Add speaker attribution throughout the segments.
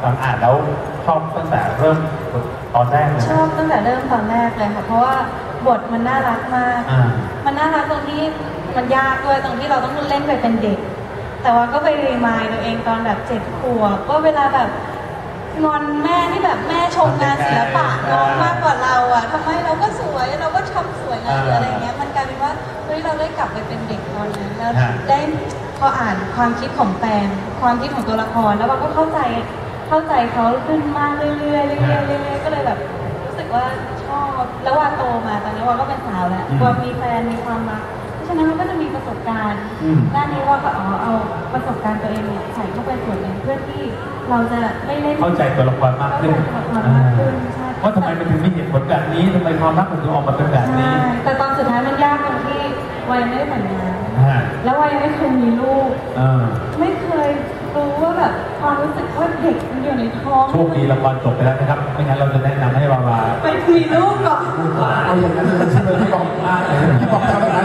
Speaker 1: ฟังอ่านแล้วชอบตั้งแต่เริ่มตอนแรกเลย
Speaker 2: ชอบตั้งแต่เริ่มตอนแรกเลยค่ะเพราะว่าบทมันน่ารักมากมันน่ารักตรงที่มันยากด้วยตรงที่เราต้องเล่นไปเป็นเด็กแต่ว่าก็ไปรีมายตัวเองตอนแบบ7 ขวบว่าเวลาแบบงอนแม่ที่แบบแม่ชมงานศิลปะน้องมากกว่าเราอ่ะทำไมเราก็สวยเราก็ทำสวยนะหรืออะไรเงี้ยมันกลายเป็นว่าเฮ้ยเราได้กลับไปเป็นเด็กตอนนั้นแล้วได้พออ่านความคิดของแฟนความคิดของตัวละครแล้วเราก็เข้าใจเขาขึ้นมากเรื่อยๆก็เลยแบบรู้สึกว่าชอบแล้วว่าโตมาตอนนี้ว่าก็เป็นสาวแล้วว่ามีแฟนมีความรักเพราะฉะนั้นเราก็จะมีประสบการณ์ด้านนี้ว่าก็เอาประสบการณ์ตัวเองเนี่ยใส่เข้าไปส่วนหนึ่งเพื่อที่เราจะได้เล่น
Speaker 1: เข้าใจตัวละครมากขึ้นว่าทำไมมันถึงมีเหตุผลแบบนี้ทำไมความรักมันถึงออกมาเป็นแบบนี้
Speaker 2: แต่ตอนสุดท้ายมันยากตรงที่วัยไม่ได้แต่งงานแล้ววัยไม่เคยมีลูกไม่เคยรู้ว่าแบบความรู้สึกว่าเด็กมันอยู่ในท้อง
Speaker 1: โชคดีละครจบไปแล้วนะครับไม่งั้นเราจะแนะนำให้วาวา
Speaker 2: ไปมีลูกก่อน
Speaker 3: เอาอย่างนั้นเลยใช่ไหมที่บอกที่บอกทำแบบนั้น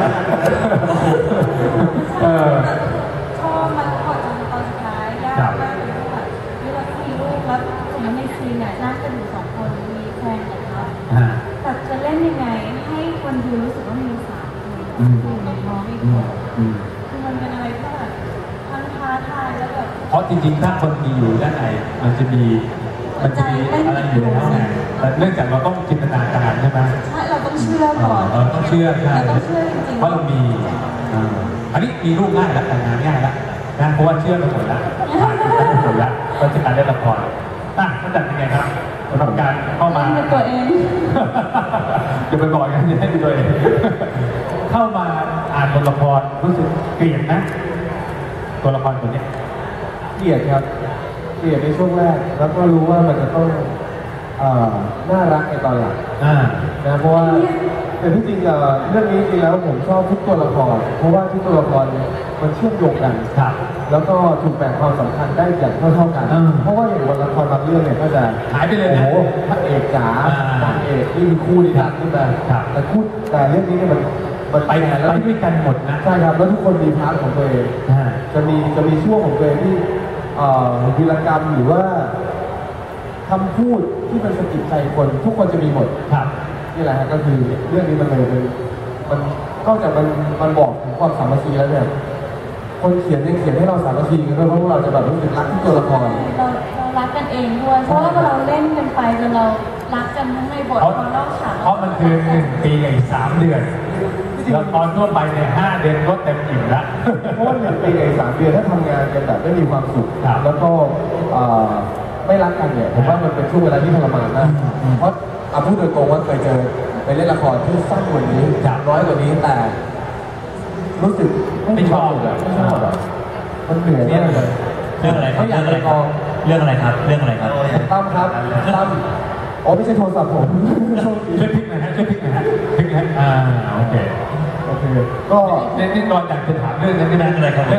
Speaker 2: ชอบมันพอจนตอนสุดท้ายยากมากเลยว่าเราต้องมีลูกแล้วสมมติในซีนเนี่ยนั่งกันอยู่2 คนมีแฟนกับเขาแต่จะเล่นยังไงให้คนดูรู้สึกว่ามี3 คนอยู่ในท้องอีกคนคือมันเป็นอะไรที่แบบทั้งท้าทายแล้วแบบ
Speaker 1: เพราะจริงๆถ้าคนมีอยู่ด้านในมันจะมีอะไรอยู่ในข้างในแต่เนื่องจากเราต้องจินตนาการใช่ไหม
Speaker 2: ใช่เราต้องเชื่อก่อน
Speaker 1: เราต้องเชื่อใช่
Speaker 2: ต้องเชื่อจริงๆ
Speaker 1: เพราะเรามีอันนี้มีลูกง่ายแล้วแต่งงานง่ายแล้วนะเพราะว่าเชื่อไปหมดแล้วผ่านไปหมดแล้วก็จะการเล่นละครมันจัดยังไงครับสำหรับการเข้ามา
Speaker 2: ตัวเอง
Speaker 1: อย่าไปบอกกันอย่าให้ตัวเองเข้ามาอ่านบทละครรู้สึกเกลียดนะตัวละครตัวนี้
Speaker 3: เกลียดครับเกลียดในช่วงแรกแล้วก็รู้ว่ามันจะต้องน่ารักในตอนหลังนะเพราะว่าแต่ที่จริงเรื่องนี้จริงแล้วผมชอบทุกตัวละครเพราะว่าทุกตัวละครมันเชื่อมโยงกันแล้วก็ถูกแบ่งความสำคัญได้อย่างเท่ากันเพราะว่าอย่างวันละครบางเรื่องเนี่ยก็จะ
Speaker 1: หายไปเลยนะ
Speaker 3: โอ้พระเอกจ๋านางเอกที่มีคู่ดีขึ้นมาแต่เรื่องนี้เนี่ยมัน
Speaker 1: ไปด้วยกันหมดนะ
Speaker 3: ใช่ครับแล้วทุกคนมีพาร์ทของตัวเองจะมีช่วงของตัวเองที่วีรกรรมหรือว่าคำพูดที่มันสะกิดใจคนทุกคนจะมีหมดนี่แหละก็คือเรื่องนี้มันเลยมันนอกจากมันบอกถึงความสามัคคีแล้วเนี่ยคนเขียนยังเขียนให้เราสามัคคีกันด้วยเพราะเราจะแบบรู้สึกรักที่ตัวละคร
Speaker 2: เรารักกันเองด้วยเพราะว่าเราเล่นกันไปจนเรารักกันทั้งในบททั้งนอกฉาก
Speaker 1: เพราะมันคือ1 ปีกับอีก3 เดือนละครทั่วไปเนี่ย5 เดือนก็เต็มอิ่มแล้ว
Speaker 3: เพราะว่า1 ปีกับอีก3 เดือนถ้าทำงานกันแบบไม่มีความสุขแล้วก็ไม่รักกันเนี่ยผมว่ามันเป็นช่วงเวลาที่ทรมานนะเพราะพูดโดยตรงว่าเคยเจอไปเล่นละครที่สั้นกว่านี้น้อยกว่านี้แต่รู้สึก
Speaker 1: ไม่ชอบ
Speaker 3: มันเหนื่อยมากเลย
Speaker 4: เรื่องอะไรครับเรื่องอะไรครับเรื่องอะไรครับ
Speaker 3: ตั้มครับตั้มไม่ใช่โทรศัพท์ผม
Speaker 1: ช่วยพลิกหน่อยฮะช่วยพลิกหน่อยฮะพลิกนะโอเค
Speaker 3: ก็
Speaker 1: นี่ตอนอยากจะถามเรื่องนั้นอะไรครับ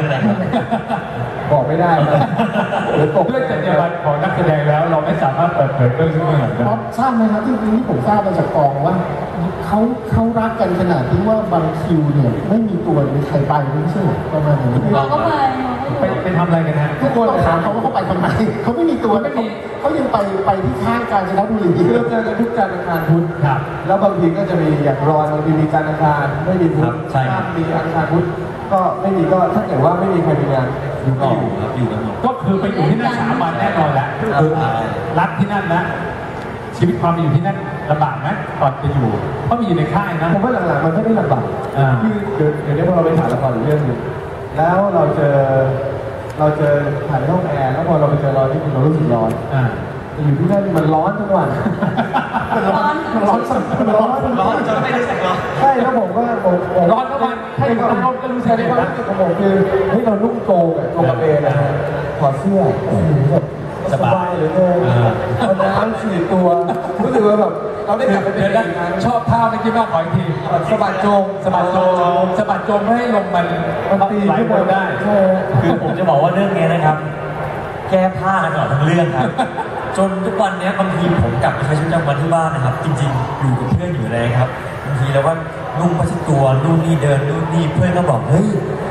Speaker 3: บอกไม่ได้นะ
Speaker 1: เรื่องจรรยาบรรณของนักแสดงแล้วเราไม่สามารถเปิดเผยเรื่องซึ่งเรื่อง
Speaker 5: ได้ทราบไหมครับที่นี้ผมทราบมาจากกองว่าเขารักกันขนาดที่ว่าบางคิวเนี่ยไม่มีตัวมีใครไปไม่ใช่ประมาณนี้
Speaker 2: เราก็
Speaker 1: ไปทำอะไรกันฮะ
Speaker 5: ทุกคนถามเขาว่าเขาไปทำไมเขาไม่มีตัวเขายังไปที่ข้างกาญจนบุรี
Speaker 3: เราเจอกันทุกการอังคารพุธแล้วบางทีก็จะมีอย่างรอนบางทีมีการอังคารไม่มีพุธถ้ามีอังคารพุธก็ไม่มีก็ถ้าเกิดว่าไม่มีใครมีงาน
Speaker 4: อยู่กันหมด
Speaker 1: ก็คือไปอยู่ที่นั่น3 วันแน่นอนแหละคือรักที่นั่นนะชีวิตความอยู่ที่นั่นลำบากไหมตอนจะอยู่เพราะมีอยู่ในค่ายนะ
Speaker 3: ผมว่าหลังๆมันไม่ได้ลำบากคือเดี๋ยวนี้พอเราไปถ่ายละครเรื่องนึงแล้วเราเจอถ่ายในห้องแอร์แล้วพอเราไปเจอเราที่เรารู้สึกร้อนอยู่ที่นั่นมันร้อนทั้งวัน
Speaker 2: ร้อน
Speaker 4: จนไม่ได้ใส่ร้อน
Speaker 3: ใช่แล้วผมก็
Speaker 1: ร้อนทั้งวันให้เราก็รู้สึก
Speaker 3: ได้ว่าของผมคือให้เรานุ่งโจงกระเบนนะฮะถอดเสื้อสบายเหลือเกินเอาน้ำฉีดตัวรู้สึกว่าแบบเราได้กลับไปเป็นอีกครั้ง
Speaker 1: ชอบท่าเมื่อกี้มากขออีกที
Speaker 3: สะบัดโจง
Speaker 1: ให้ลมมัน
Speaker 3: ตี
Speaker 1: ไหล
Speaker 3: วน
Speaker 1: ได้
Speaker 4: คือผมจะบอกว่าเรื่องนี้นะครับแก้ผ้ากันตลอดทั้งเรื่องครับจนทุกวันนี้บางทีผมกลับไปใช้ชีวิตประจำวันที่บ้านนะครับจริงๆอยู่กับเพื่อนอยู่เลยครับบางทีแล้วว่านุ่งผ้าเช็ดตัวนู่นนี่เดินนู่นนี่เพื่อนก็บอกเฮ้ย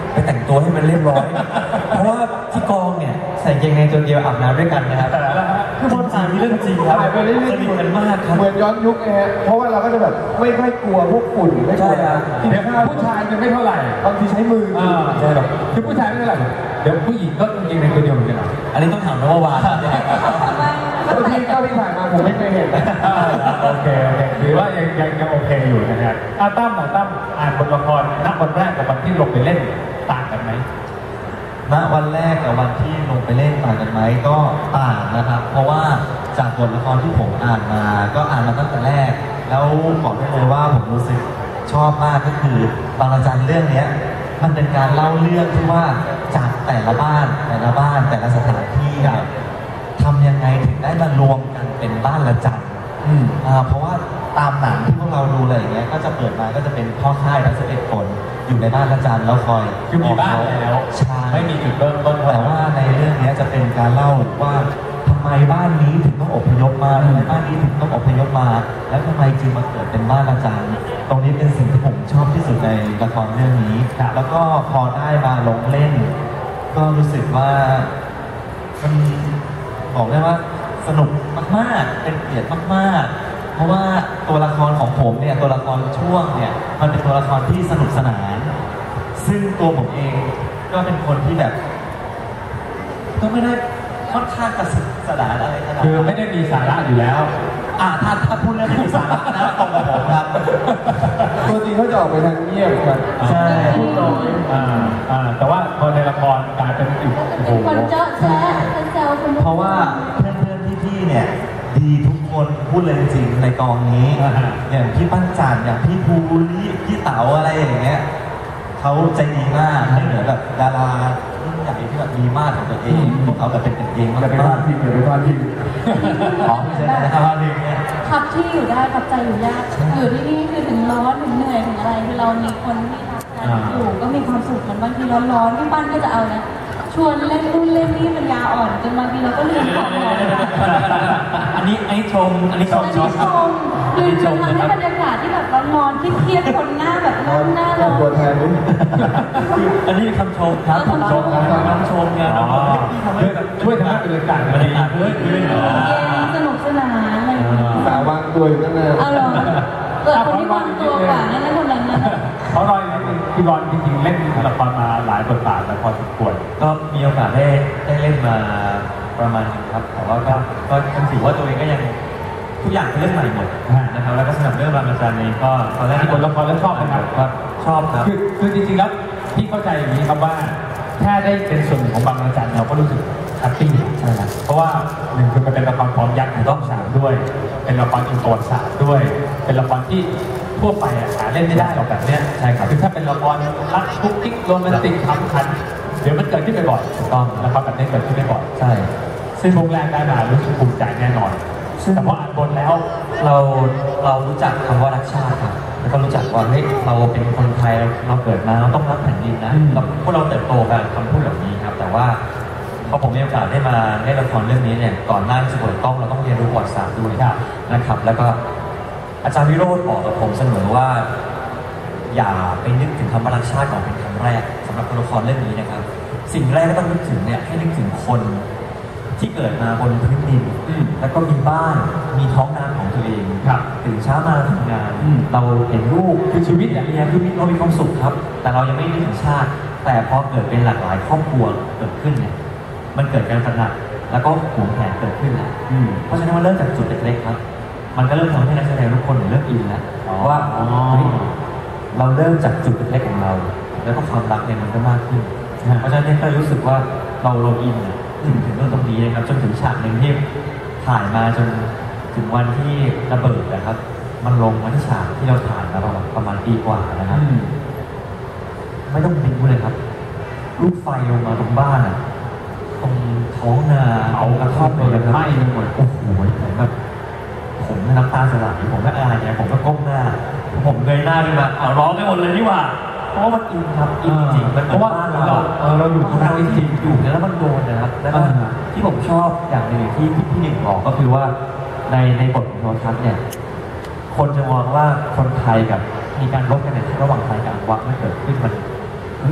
Speaker 4: ไปแต่งตัวให้มันเรียบร้อย เพราะว่าที่กองเนี่ยใส่กางเกงในตัวเดียวอาบน้ำด้วยกันนะครับคือบนถ่ายมีเรื่องจริงครับ
Speaker 3: ถ่ายไปเรื่อยๆ
Speaker 4: สนิทกันมากครับ
Speaker 3: เหมือนย้อนยุคนะฮะเพราะว่าเราก็จะแบบไม่ค่อยกลัวพวกฝุ่นไม่กลัว
Speaker 4: ใช่ครับ
Speaker 1: เดี๋ยวผู้ชายเนี่ยไม่เท่าไหร่
Speaker 3: บางทีใช้มือ
Speaker 1: ใช่หรอกคือผู้ชายไม่เท่าไหร่เดี๋ยวผู้หญิงก็จริงๆในตัวเดียวเหมือนกัน
Speaker 4: อันนี้ต้องถามนววาน
Speaker 2: ทำไม
Speaker 3: แล้วที่เท่าที่ผ่านมาผมไม่เคยเห็นนะ
Speaker 1: โอเคหรือว่ายังโอเคอยู่นะครับตั้มอ่านบทละครณวันแรกกับวันที่ลงไปเล่นต่างกันไหม
Speaker 4: ณวันแรกกับวันที่ลงไปเล่นต่างกันไหมก็ต่างนะครับ เพราะว่าจากบทละครที่ผมอ่านมาก็อ่านมาตั้งแต่แรก แล้วบอกได้เลยว่าผมรู้สึกชอบมากก็คือบางระจันเรื่องเนี้ยมันเป็นการเล่าเรื่องที่ว่าจากแต่ละบ้านแต่ละสถานที่เนี่ยทำยังไงถึงได้มารวมกันเป็นบ้านละจันเพราะว่าตามหนังที่พวกเราดูอะไรอย่างเงี้ยก็จะเปิดมาก็จะเป็นพ่อค่ายทั้ง11 คนอยู่ในบ้านละจันแล้วคอย
Speaker 1: คือมีบ้านแล้ว
Speaker 4: ใช่
Speaker 1: ไม่มีจุดเริ่มต้น
Speaker 4: แต่ว่าในเรื่องนี้จะเป็นการเล่าว่าทำไมบ้านนี้ถึงต้องอพยพมาทำไมบ้านนี้ถึงต้องอพยพมา แล้วทำไมจึงมาเกิดเป็นบ้านละจันตรงนี้เป็นสิ่งที่ผมชอบที่สุดในละครเรื่องนี้แล้วก็พอได้มาลงเล่น ก็รู้สึกว่ามันบอกได้ว่าสนุกมากๆเป็นเกียรติมากๆเพราะว่าตัวละครของผมเนี่ยตัวละครช่วงเนี่ยมันเป็นตัวละครที่สนุกสนาน ซึ่งตัวผมเองก็เป็นคนที่แบบ ก็ไม่ได้ค่อนข้างกระสุนสนานอะไรขนาด
Speaker 1: คือ
Speaker 4: นั้น
Speaker 1: ไม่ได้มีสาระอยู่แล้ว
Speaker 4: ถ้าพูดเรื่องไม่มีสาระนะตรงกับผมครับ
Speaker 3: ตัวจริงเขาจะออกไปทางเงียบครับ
Speaker 4: ใช่
Speaker 3: พูดน้อย
Speaker 1: แต่ว่าพอในละครกลายเป็นอีกโอ้โห
Speaker 2: เป็นคนเจาะแจ๊ะเป็นแซวคน
Speaker 4: เพราะว่าเพื่อนๆพี่ๆเนี่ยดีทุกคนพูดเลยจริงๆในกองนี้ อย่างพี่ปั้นจันอย่างพี่ภูริพี่เต๋าอะไรอย่างเงี้ยเขาใจดีมากไม่เหมือนแบบดารารุ่นใหญ่ที่แบบมีมาตรของตัวเองพวกเขาแบบเป็นกันเอง
Speaker 3: อย่าไปพลาดพิงอย่าไปพลาดพิง
Speaker 4: อ๋อไม่ใช่นะครับว่านี่เนี่ย
Speaker 2: ขับที่อยู่ได้ขับใจอยู่ยากอยู่ที่นี่คือถึงร้อนถึงเหนื่อยถึงอะไรคือเรามีคนที่รักกันอยู่ก็มีความสุขเหมือนบางทีร้อนๆพี่ปั้นก็จะเอานะชวนเล่นนู่นเล่นนี่ปัญญาอ่อนจนบางทีเราก็ลืมของเรา
Speaker 4: อันนี้ชมอันนี้ชม
Speaker 2: คือทำให้บรรยากาศที่แบบร้อนๆเครียดๆคนหน้าแบบหน้าร้อน
Speaker 3: ตัวแทนนู้น
Speaker 4: อันนี้คำชมครับคำชมไงเราทำให้แบบ
Speaker 1: ช่วยทำให้บรรยากาศมันดีขึ้น
Speaker 2: สนุกสนานอะไรอย่างเงี้ย
Speaker 3: สาววางตัวอยู่นั่นนะ
Speaker 2: เอาหรอเกิดคนที่วางตัวกว่านั่นคนนั้นนะ
Speaker 1: เขารอยนิดนึงพี่บอลจริงๆเล่นละครมาหลายบทบาทแล้วพอสมควร
Speaker 4: ก็มีโอกาสได้เล่นมาประมาณนึงครับแต่ว่าก็ถือว่าตัวเองก็ยังทุกอย่างเป็นเรื่องใหม่หมดนะครับแล้วก็สำหรับเรื่องรามอาจารย์เองก็ตอนแรก
Speaker 1: ที่บทละครแล้วชอบนะครับ
Speaker 4: ก็ชอบครับ
Speaker 1: คือจริงๆแล้วพี่เข้าใจอย่างนี้ครับว่าแค่ได้เป็นส่วนหนึ่งของบางระจันเราก็รู้สึกแฮปปี้ใช่ไหมเพราะว่าหนึ่งคือมันเป็นละครพร้อมยักษ์ของต้องสามด้วย เป็นละครอินโทรศาสตร์ด้วย เป็นละครที่ทั่วไปหาเล่นไม่ได้หรอกแบบเนี้ยใช่ครับคือถ้าเป็นละครรักคุกกิ๊กโรแมนติกขำขันเดี๋ยวมันเกิดขึ้นบ่อยๆถูกต้องละครแบบนี้เกิดขึ้นบ่อย
Speaker 4: ใช่
Speaker 1: ซึ่งช่วงแรกได้มารู้สึกภูมิใจแน่นอนแต่พออ่านบทแล้ว
Speaker 4: เรารู้จักคำว่ารักชาติครับแล้วก็รู้จักว่าเฮ้ยเราเป็นคนไทยเราเกิดมาเราต้องรักแผ่นดินนะพวกเราเติบโตกันคำพูดแบบนี้ครับแต่ว่าพอผมมีโอกาสได้มาเล่นละครเรื่องนี้เนี่ยก่อนหน้าที่จะเปิดกล้องเราต้องเรียนรู้ประวัติศาสตร์ด้วยนะครับ แล้วก็อาจารย์วิโรจน์บอกกับผมเสมอว่า อย่าไปนึกถึงคำว่ารักชาติก่อนเป็นครั้งแรกสำหรับละครเรื่องนี้นะครับ สิ่งแรกที่ต้องนึกถึงเนี่ยให้นึกถึงคนที่เกิดมาบนพื้นดินแล้วก็มีบ้านมีท้องนาของตัวเองตื่นเช้ามาทำงานเราเห็นลูกคือชีวิตอย่างนี้ชีวิตเรามีความสุขครับ แต่เรายังไม่นึกถึงชาติ แต่พอเกิดเป็นหลากหลายครอบครัวเกิดขึ้นเนี่ยมันเกิดการตระหนักแล้วก็หวงแหนเกิดขึ้นแล้วเพราะฉะนั้นมันเริ่มจากจุดเล็กๆครับมันก็เริ่มทำให้นักแสดงทุกคนเริ่มอินแล้วว่าเราเริ่มจากจุดเล็กๆของเราแล้วก็ความรักเนี่ยมันก็มากขึ้นเพราะฉะนั้นเนี่ยก็รู้สึกว่าเราอินถึงเรื่องตรงนี้นะครับจนถึงฉากหนึ่งที่ถ่ายมาจนถึงวันที่ระเบิดนะครับมันลงมาที่ฉากที่เราถ่ายมาประมาณปีกว่านะครับไม่ต้องบินเลยครับลูกไฟลงมาตรงบ้านตรงท้องนาเอากระท่อมเลยไหม้ไปหมดโอ้โหผมแบบผมน้ำตาสลายผมก็อายเนี่ยผมก็ก้มหน้าผมเงยหน้าขึ้นมาร้องไปหมดเลยนี่หว่าเพราะว่ามันอินครับอินจริงมันเพราะว่าเราอยู่ตรงนั้นจริงอยู่แล้วมันโดนนะครับแล้วก็ที่ผมชอบอย่างหนึ่งที่พี่หนึ่งบอกก็คือว่าในบทของโทรทัศน์เนี่ยคนจะมองว่าคนไทยกับมีการรบกันในระหว่างไทยกับอังวะมันเกิดขึ้นมันเฮ้ย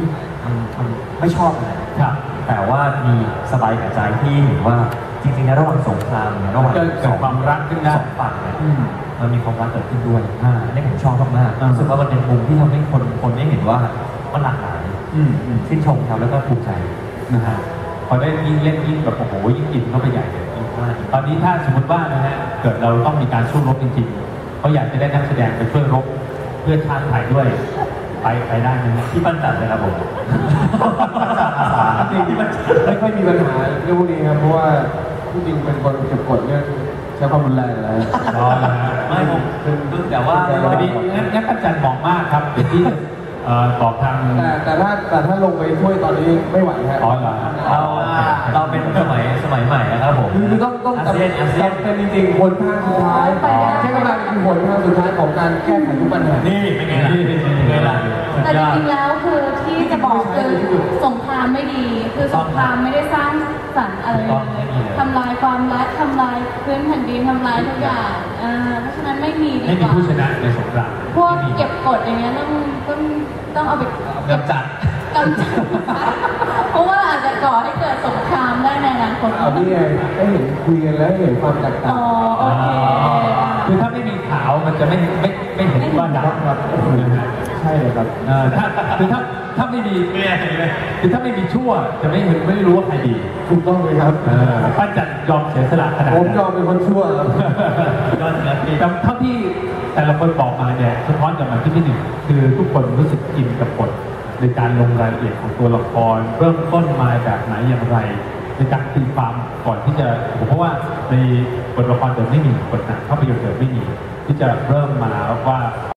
Speaker 4: มันไม่ชอบอะไร
Speaker 1: ครับ
Speaker 4: แต่ว่ามีสบายกับใจที่เห็นว่าจริงๆในระหว่างสงครามเนี่ยระหว่าง
Speaker 1: เกิดความรักขึ้นได้
Speaker 4: สองฝั่งเนี่ยมันมีความรักเกิดขึ้นด้วยอันนี้ผมชอบมากๆรู้สึกว่ามันเป็นมุมที่ทำให้คนได้เห็นว่ามันหลากหลายชื่นชมครับแล้วก็ภูมิใจ
Speaker 1: นะฮะพอได้ยิ่งเล่นยิ่งแบบโอ้โหยิ่งอินเข้าไปใหญ่เลยตอนนี้ถ้าสมมติว่านะฮะเกิดเราต้องมีการสู้รบจริงๆเขาอยากจะได้นักแสดงไปช่วยรบเพื่อชาติไทยด้วยไปได้ไหมฮะ
Speaker 4: ที่ปั้นจัดเลยครับผม
Speaker 3: จริงที่มันไม่ค่อยมีปัญหาเรื่องพวกนี้ครับเพราะว่าผู้จริงเป็นคนเก็บกดเรื่องใช้ความรุนแรงแล้ว
Speaker 1: อ๋อนะฮะ
Speaker 4: ไม่ผมคือแต่ว่า
Speaker 1: พอดีงั้นอาจารย์บอกมากครับเดี๋ยวที่บอกทาง
Speaker 3: แต่ถ้าลงไปช่วยตอนนี้ไม่ไหวฮะ
Speaker 1: อ๋อเหรอ
Speaker 4: เราเป็นสมัยใหม่นะครับผม
Speaker 3: คือต้อง
Speaker 4: อาเซียน
Speaker 3: เป็นจริงๆผลทางสุดท้ายใช้กำลังคือผลทางสุดท้ายของการแก้ไขทุกปัญหา
Speaker 4: นี่เป็นไงล่ะเป็นไงล่ะ
Speaker 2: แต่จริงๆแล้วคือที่จะบอกคือสงครามไม่ดี คือสงครามไม่ได้สร้างสรรค์อะไรเลยทำลายความรักทำลายพื้นแผ่นดินทำลายทุกอย่างเพราะฉะนั้นไม่มีดี
Speaker 1: ไม่
Speaker 2: ก
Speaker 1: มี
Speaker 2: ว่า
Speaker 1: ผู้ชนะในสงคราม
Speaker 2: พวกเก็บกดอย่างเงี้ยต้องเอาไป
Speaker 1: กำจัด
Speaker 2: กำจัดเพราะว่าอาจจะก่อให้เกิดสงครามได้ในอนาคต
Speaker 3: เอานี่ไงได้เห็นคุยกันแล้วเห็นความแตกต่าง
Speaker 2: อ๋อโอเค
Speaker 1: คือถ้าไม่มีขาวมันจะไม่เห็นว่าดำครับนะฮะ
Speaker 3: ใช่เลยครับ
Speaker 1: ถ้าไม่มีคือถ้าไม่มีชั่วจะไม่รู้ว่าใครดี
Speaker 3: ถูกต้องเลยครับ
Speaker 1: ป้าจัดยอมเสียสละขนาด
Speaker 3: ผม
Speaker 1: นั้น
Speaker 3: ยอมเป็นคนชั่วครับ
Speaker 4: ยอดเงินดี
Speaker 1: แต่เท่าที่แต่ละคนบอกมาเนี่ยสะท้อนกลับมาที่หนึ่งคือทุกคนรู้สึกอินกับบทในการลงรายละเอียดของตัวละครเริ่มต้นมาแบบไหนอย่างไร ในการตีความก่อนที่จะเพราะว่าในบทละครเดิมไม่มีบทหนังภาพยนตร์เดิมไม่มีที่จะเริ่มมาว่า